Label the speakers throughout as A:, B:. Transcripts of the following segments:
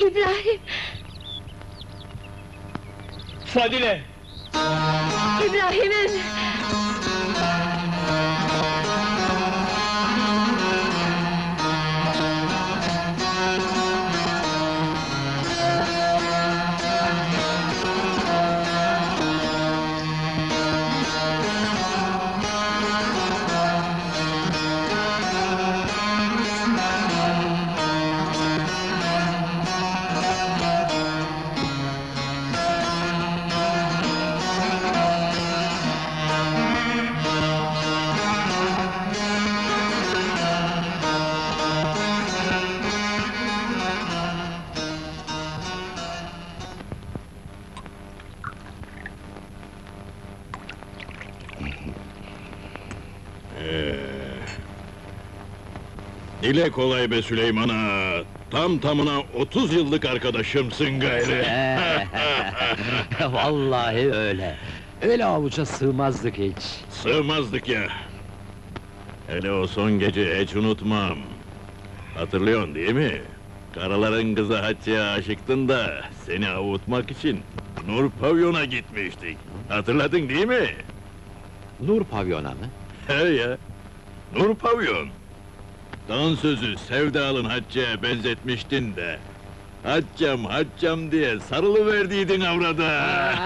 A: İbrahim!
B: Fadile!
A: İbrahim'im!
C: Dile kolay be Süleyman'a! Tam tamına 30 yıllık arkadaşımsın gayrı!
D: Vallahi öyle. Öyle avuca sığmazdık hiç.
C: Sığmazdık ya! Hele o son gece hiç unutmam! Hatırlıyorsun değil mi? Karaların kızı Hatice'ye aşıktın da, seni avutmak için Nur Pavyon'a gitmiştik. Hatırladın değil mi?
D: Nur pavyona mı?
C: He ya! Nur Pavyon! Dansözü sevdalın Hatice'ye benzetmiştin de... Haccam, haccam diye sarılıverdiydin avrada!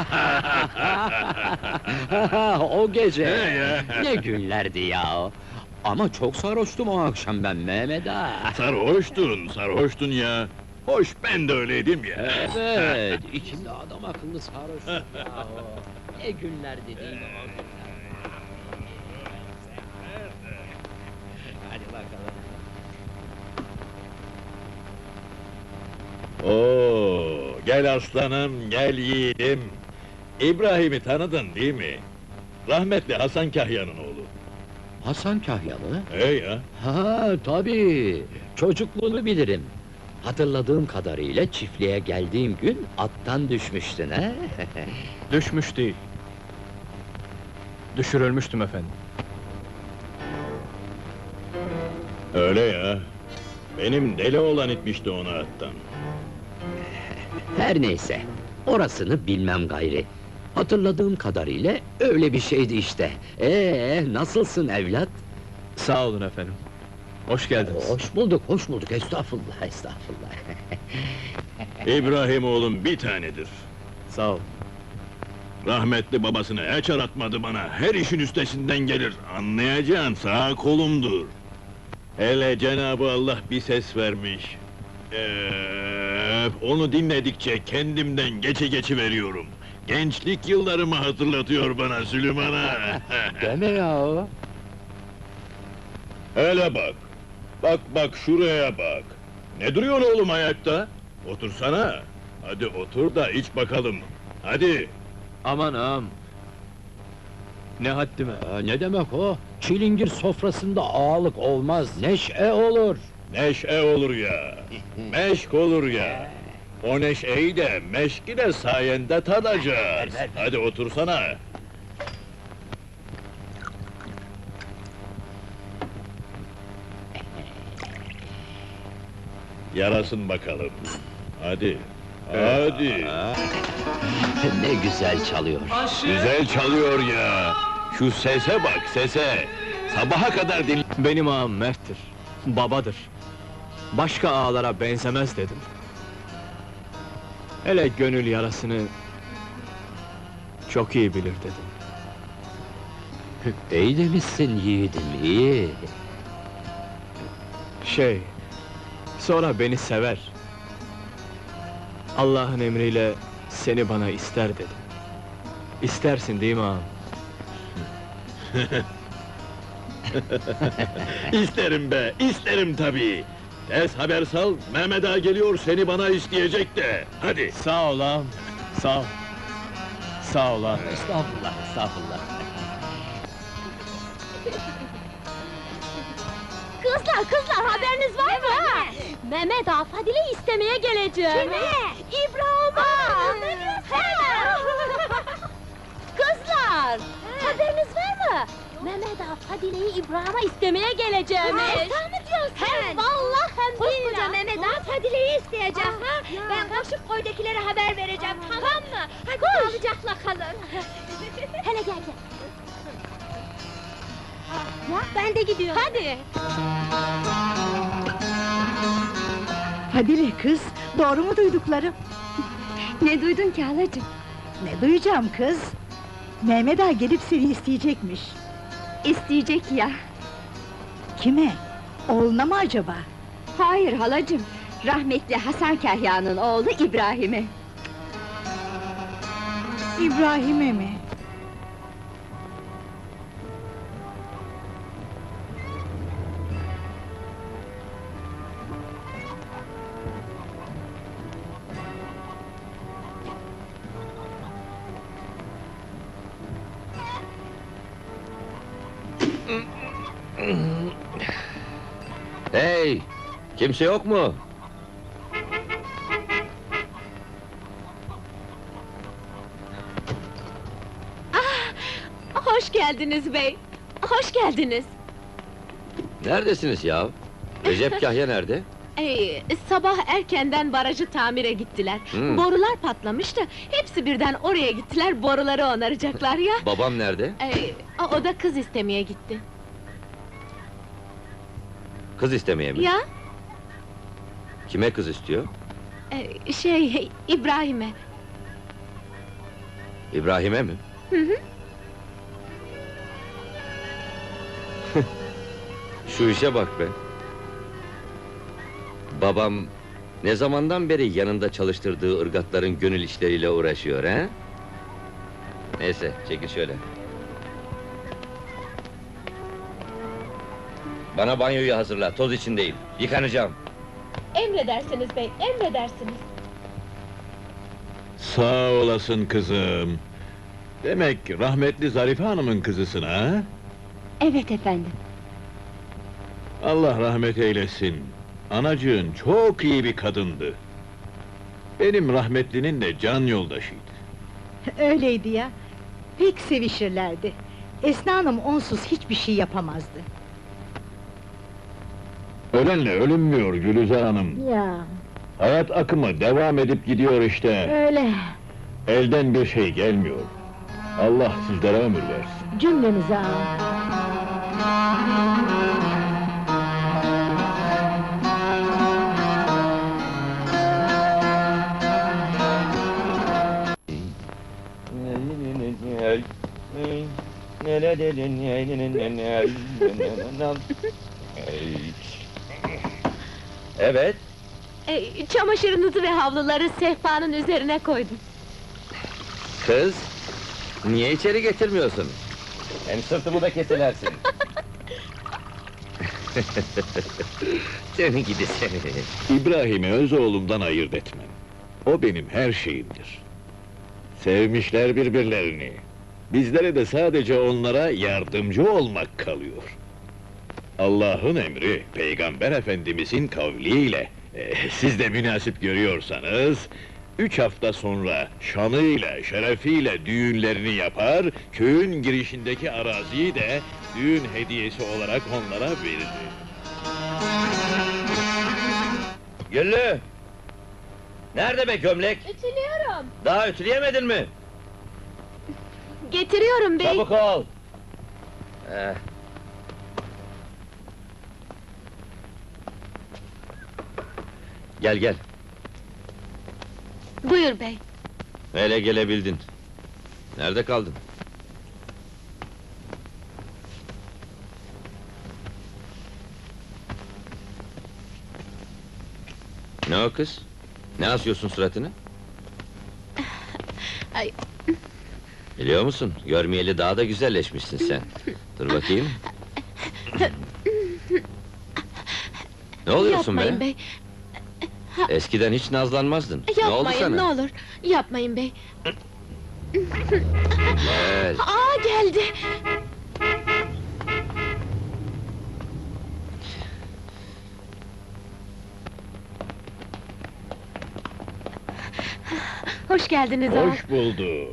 D: O gece!
C: He ya!
D: Ne günlerdi ya! Ama çok sarhoştum o akşam ben Mehmet ağa!
C: Sarhoştun ya! Hoş, ben de öyleydim ya!
D: Evet, içimde adam akıllı sarhoştum ya! Ne günlerdi değil mi o günler? Hadi bakalım!
C: Oo, gel aslanım, gel yiğidim! İbrahim'i tanıdın değil mi? Rahmetli Hasan Kahya'nın oğlu.
D: Hasan Kahyalı?
C: He ya!
D: Ha tabii, çocukluğunu bilirim. Hatırladığım kadarıyla çiftliğe geldiğim gün attan düşmüştün he?
B: Düşmüş değil. Düşürülmüştüm efendim.
C: Öyle ya! Benim deli olan itmişti onu attan.
D: Her neyse, orasını bilmem gayri. Hatırladığım kadarıyla öyle bir şeydi işte. Nasılsın evlat?
B: Sağ olun efendim. Hoş geldiniz.
D: Hoş bulduk, estağfurullah, estağfurullah.
C: İbrahim oğlum bir tanedir.
B: Sağ ol.
C: Rahmetli babasını hiç aratmadı bana, her işin üstesinden gelir, anlayacağın sağ kolumdur. Hele Cenab-ı Allah bir ses vermiş. Onu dinledikçe kendimden geçi veriyorum. Gençlik yıllarımı hatırlatıyor bana Süleyman ağa.
D: Deme ya!
C: Hele bak! Bak şuraya bak! Ne duruyorsun oğlum ayakta? Otursana! Hadi otur da iç bakalım! Hadi!
B: Aman ağam! Ne haddime!
D: Ne demek o? Çilingir sofrasında ağalık olmaz, neşe olur!
C: Neşe olur ya! Meşk olur ya! O neşeyi de, meşki de sayende tadacağız!
D: Ver.
C: Hadi otursana! Yarasın bakalım! Hadi! Hadi!
D: Ne güzel çalıyor!
C: Güzel çalıyor ya! Şu sese bak, sese! Sabaha kadar dinle...
B: Benim ağam merttir, babadır. Başka ağalara benzemez dedim. Hele gönül yarasını... çok iyi bilir dedim.
D: İyi demişsin yiğidim, iyi!
B: Sonra beni sever. Allah'ın emriyle seni bana ister dedim. İstersin değil mi ağam?
C: İsterim be, isterim tabii! Tez haber sal, Mehmet ağa geliyor, seni bana isteyecek de! Hadi!
B: Sağ ol ağam, sağ ol. Sağ ol ağam.
D: Estağfurullah, estağfurullah!
A: Kızlar, haberiniz var mı? Mehmet ağa Fadile'yi istemeye geleceğim. Kime? İbrahim'a! Ne diyorsun? Kızlar, haberiniz var mı? Mehmet ağa Fadile'yi İbrahim'a istemeye geleceğim. Sen mi diyorsun? Hem vallahi hem billahi. Koskoca Mehmet ağa Afadile'yi isteyeceğim ha. Ben koşup koydakilere haber vereceğim, tamam mı? Hadi sağlıcakla kalın. Hele gel gel. Ya ben de gidiyorum. Hadi.
E: Fadile kız, doğru mu duyduklarım?
A: Ne duydun ki halacığım?
E: Ne duyacağım kız? Mehmet Ağa gelip seni isteyecekmiş.
A: İsteyecek ya.
E: Kime? Oğluna mı acaba?
A: Hayır halacığım. Rahmetli Hasan Kahya'nın oğlu İbrahim'e.
E: İbrahim'e mi?
D: Hey! Kimse yok mu?
A: Hoş geldiniz bey. Hoş geldiniz.
D: Neredesiniz ya? Recep Kahya nerede?
F: Sabah erkenden barajı tamire gittiler.
D: Hmm.
F: Borular patlamıştı. Hepsi birden oraya gittiler, boruları onaracaklar ya.
D: Babam nerede?
F: O da kız istemeye gitti.
D: Kız istemeye mi?
F: Ya,
D: Kime kız istiyor?
F: İbrahim'e.
D: İbrahim'e mi?
F: Hı hı.
D: Şu işe bak be! Babam ne zamandan beri yanında çalıştırdığı ırgatların gönül işleriyle uğraşıyor he? Neyse, çekil şöyle. Bana banyoyu hazırla, toz içindeyim. Yıkanacağım.
F: Emredersiniz bey, emredersiniz.
C: Sağ olasın kızım. Demek rahmetli Zarife Hanım'ın kızısın ha?
A: Evet efendim.
C: Allah rahmet eylesin. Anacığın çok iyi bir kadındı. Benim rahmetlinin de can yoldaşıydı.
E: Öyleydi ya. Pek sevişirlerdi. Esna Hanım onsuz hiçbir şey yapamazdı.
C: Ölenle ölünmüyor Gülüzar Hanım.
E: Ya,
C: Hayat akımı devam edip gidiyor işte.
E: öyle.
C: Elden bir şey gelmiyor. Allah sizlere ömür versin.
E: Cümlemize ağam.
D: Evet,
F: Çamaşırınızı ve havluları sehpanın üzerine koydum.
D: kız! Niye içeri getirmiyorsun? Hem sırtımı da keselersin. Seni gidi seni!
C: İbrahim'i öz oğlumdan ayırt etmem. O benim her şeyimdir. Sevmişler birbirlerini. Bizlere de sadece onlara yardımcı olmak kalıyor. Allah'ın emri, Peygamber Efendimizin kavliyle, siz de münasip görüyorsanız, 3 hafta sonra şanıyla, şerefiyle düğünlerini yapar, köyün girişindeki araziyi de düğün hediyesi olarak onlara verir.
D: Güllü! Nerede be gömlek?
F: Ütülüyorum.
D: Daha ütüleyemedin mi?
F: Getiriyorum bey.
D: Çabuk ol! Gel gel,
F: Buyur bey.
D: hele gelebildin. Nerede kaldın? Ne o kız? Ne asıyorsun suratını?
F: Ay.
D: Biliyor musun, görmeyeli daha da güzelleşmişsin sen. Dur bakayım. Ne oluyorsun
F: Yapmayın
D: be?
F: bey.
D: Eskiden hiç nazlanmazdın. Ne oldu
F: Yapmayın
D: sana?
F: ne olur. Yapmayın bey.
D: Gel.
F: Geldi. Hoş geldiniz ağa.
C: Hoş bulduk.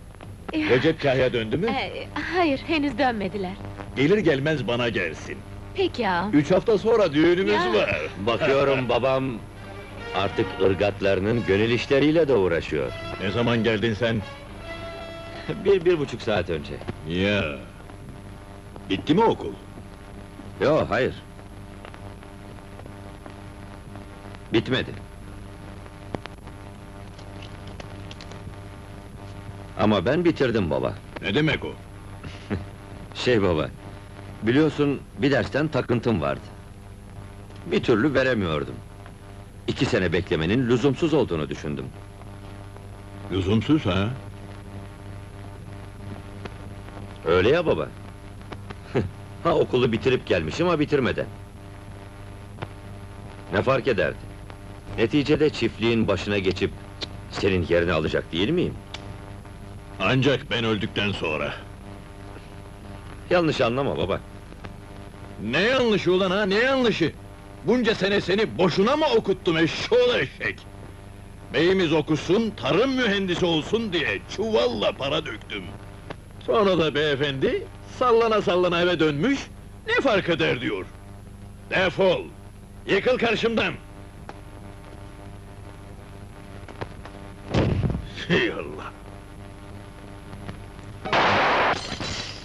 C: Recep Kahya döndü mü?
F: Hayır, henüz dönmediler.
C: Gelir gelmez bana gelsin.
F: Peki ağam.
C: 3 hafta sonra düğünümüz
F: Ya.
C: var.
D: Bakıyorum babam artık ırgatlarının gönül işleriyle de uğraşıyor.
C: Ne zaman geldin sen?
D: 1,5 saat önce.
C: Ya. Bitti mi okul?
D: Yo, hayır. Bitmedi. Ama ben bitirdim baba.
C: Ne demek o?
D: Baba, biliyorsun bir dersten takıntım vardı. Bir türlü veremiyordum. 2 sene beklemenin lüzumsuz olduğunu düşündüm.
C: Lüzumsuz ha?
D: Öyle ya baba. Ha, okulu bitirip gelmişim ama bitirmeden. Ne fark ederdi? Neticede çiftliğin başına geçip senin yerini alacak değil miyim?
C: Ancak ben öldükten sonra.
D: Yanlış anlama baba.
C: Ne yanlışı ulan ha, ne yanlışı? Bunca sene seni boşuna mı okuttum eşşoğlu eşek? Beyimiz okusun, tarım mühendisi olsun diye çuvalla para döktüm. Sonra da beyefendi, sallana sallana eve dönmüş, ne fark eder diyor. Defol! Yıkıl karşımdan! Ey Allah!